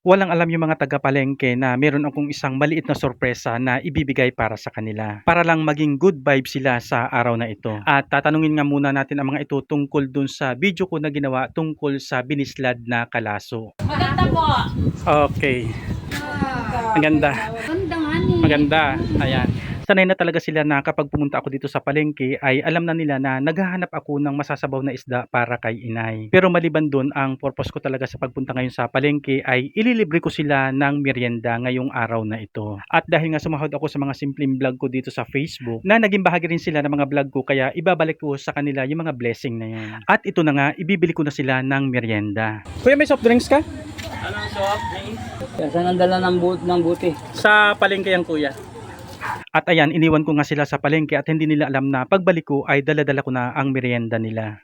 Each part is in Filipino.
Walang alam yung mga taga-palengke na meron akong isang maliit na sorpresa na ibibigay para sa kanila. Para lang maging good vibe sila sa araw na ito. At tatanungin nga muna natin ang mga ito tungkol dun sa video ko na ginawa tungkol sa binislad na kalaso. Maganda po. Okay. Maganda. Maganda nga ni. Maganda. Ayan. Sanay na talaga sila na kapag pumunta ako dito sa palengke ay alam na nila na naghahanap ako ng masasabaw na isda para kay inay. Pero maliban doon, ang purpose ko talaga sa pagpunta ngayon sa palengke ay ililibre ko sila ng merienda ngayong araw na ito. At dahil nga sumahod ako sa mga simpleng vlog ko dito sa Facebook, na naging bahagi rin sila ng mga vlog ko, kaya ibabalik ko sa kanila yung mga blessing na yun. At ito na nga, ibibili ko na sila ng merienda. Kuya, may soft drinks ka? Anong soft drinks? Saan ang dala ng buti? Sa palengke yan, kuya. At ayan, iniwan ko nga sila sa palengke at hindi nila alam na pagbalik ko ay dala-dala ko na ang merienda nila.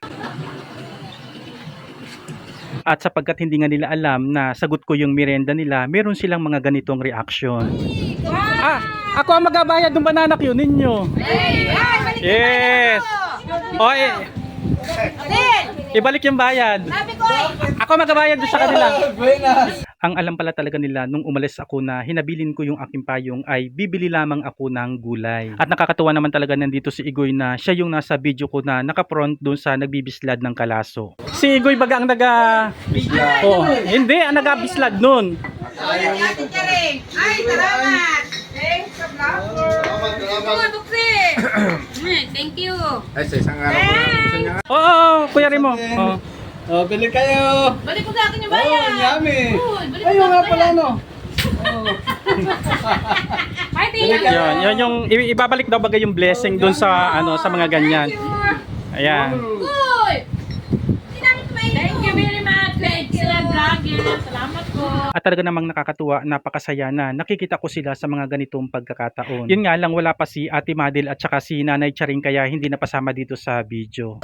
At sapagkat hindi nga nila alam na sagot ko yung merienda nila, meron silang mga ganitong reaction. Ako ang magabayad ng banana cue ninyo. Yes! O, ibalik yung bayad. Ako magabayad doon sa kanila. Ang alam pala talaga nila nung umalis ako na hinabilin ko yung aking payong ay bibili lamang ako ng gulay. At nakakatuwa naman talaga nandito si Igoy na siya yung nasa video ko na naka-front doon sa nagbibislad ng kalaso. Si Igoy baga ang Oh, hindi, ang nagabislad nun. Ay, salamat! Thanks sa vlogger! Thank you. Ay, sa isang araw ko lang. Isa niya nga. Oo, Kuya Remo. Oh. Oh, bili kayo. Balik ko sa akin yung bayan. Oh, yummy. Balik Ayun nga pala, no? Ay, tingnan. Yan yung ibabalik daw bagay yung blessing doon sa sa mga ganyan. Ayan. Uy! Thank you very much. Excellent vlogger. Salamat po. At talaga namang nakakatuwa, napakasaya na nakikita ko sila sa mga ganitong pagkakataon. Yun nga lang, wala pa si Ate Madel at saka si Nanay Charing kaya hindi napasama dito sa video.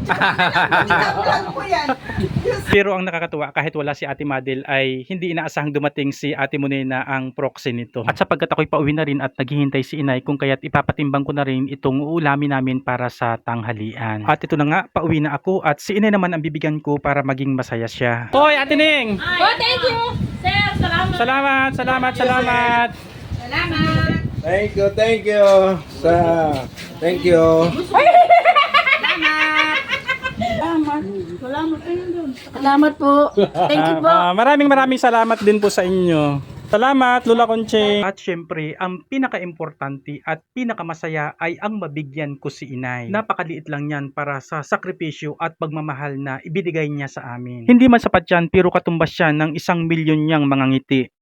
Pero ang nakakatuwa, kahit wala si Ate Madel ay hindi inaasahang dumating si Ate Monena ang proxy nito. At sapagkat ako'y pauwi na rin at naghihintay si Inay kung kaya't ipapatimbang ko na rin itong uulamin namin para sa tanghalian. At ito na nga, pauwi na ako at si Inay naman ang bibigyan ko para maging masaya siya. Hoy, Ate Ning! Oh, thank you. Sir, salamat. Salamat! Salamat. Thank you. Thank you. Salamat po. Thank you po. Maraming salamat din po sa inyo. Salamat, Lola Conche. At syempre, ang pinaka-importante at pinakamasaya ay ang mabigyan ko si Inay. Napakaliit lang yan para sa sakripisyo at pagmamahal na ibinigay niya sa amin. Hindi man sapat yan, pero katumbas siya ng 1 milyon niyang mga ngiti.